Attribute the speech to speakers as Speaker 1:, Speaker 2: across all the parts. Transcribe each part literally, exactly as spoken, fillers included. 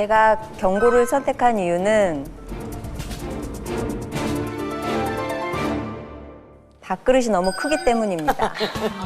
Speaker 1: 제가 경고를 선택한 이유는 밥그릇이 너무 크기 때문입니다.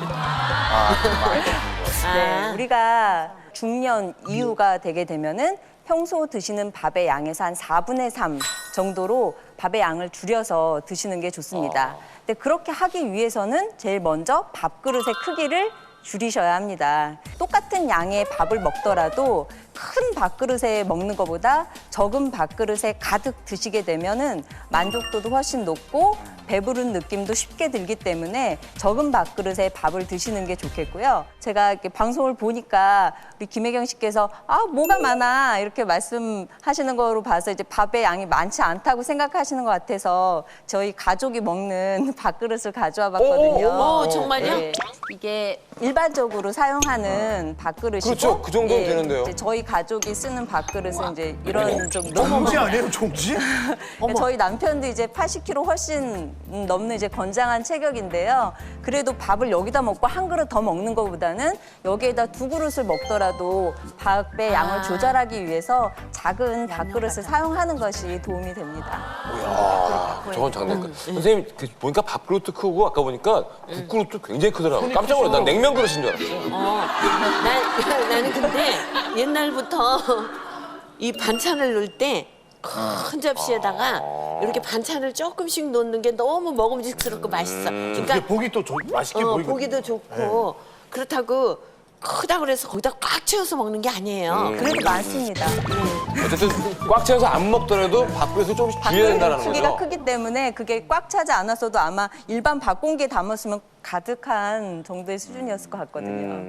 Speaker 1: 네, 우리가 중년 이후가 되게 되면은 평소 드시는 밥의 양에서 한 사분의 삼 정도로 밥의 양을 줄여서 드시는 게 좋습니다. 근데 그렇게 하기 위해서는 제일 먼저 밥그릇의 크기를 줄이셔야 합니다. 똑같은 양의 밥을 먹더라도 큰 밥그릇에 먹는 것보다 적은 밥그릇에 가득 드시게 되면은 만족도도 훨씬 높고 배부른 느낌도 쉽게 들기 때문에 적은 밥그릇에 밥을 드시는 게 좋겠고요. 제가 이렇게 방송을 보니까 우리 김혜경 씨께서 아 뭐가 많아 이렇게 말씀하시는 거로 봐서 이제 밥의 양이 많지 않다고 생각하시는 것 같아서 저희 가족이 먹는 밥그릇을 가져와 봤거든요.
Speaker 2: 오, 오, 정말요?
Speaker 1: 네, 이게 일반적으로 사용하는 밥그릇이고
Speaker 3: 그렇죠. 그 정도는
Speaker 1: 예,
Speaker 3: 되는데요.
Speaker 1: 이제 저희 가족이 쓰는 밥그릇은 이제 이런 좀
Speaker 4: 종지 아니에요, 종지?
Speaker 1: 그러니까 저희 남편도 이제 팔십 킬로그램 훨씬 넘는 이제 건장한 체격인데요. 그래도 밥을 여기다 먹고 한 그릇 더 먹는 것보다는 여기에다 두 그릇을 먹더라도 밥의 양을 조절하기 위해서 작은 밥그릇을 사용하는 것이 도움이 됩니다.
Speaker 3: 아, 저건 장난. 선생님 그 보니까 밥그릇도 크고 아까 보니까 국그릇도 굉장히 크더라고요. 깜짝 놀랐어요. 난 냉면 그릇인 줄 알았어요.
Speaker 2: 어, 난, 나는 근데 옛날부터 이 반찬을 넣을 때 큰 접시에다가 이렇게 반찬을 조금씩 넣는 게 너무 먹음직스럽고 맛있어.
Speaker 4: 이게
Speaker 2: 그러니까
Speaker 4: 보기 또 조- 맛있게
Speaker 2: 어,
Speaker 4: 보이거든요.
Speaker 2: 보기도 좋고 그렇다고 크다 그래서 거기다 꽉 채워서 먹는 게 아니에요.
Speaker 1: 그래도 많습니다.
Speaker 3: 어쨌든 꽉 채워서 안 먹더라도 밥그릇을 조금씩 줄여야 된다는
Speaker 1: 크기가
Speaker 3: 거죠.
Speaker 1: 크기 때문에 그게 꽉 차지 않았어도 아마 일반 밥 공기에 담았으면 가득한 정도의 수준이었을 것 같거든요.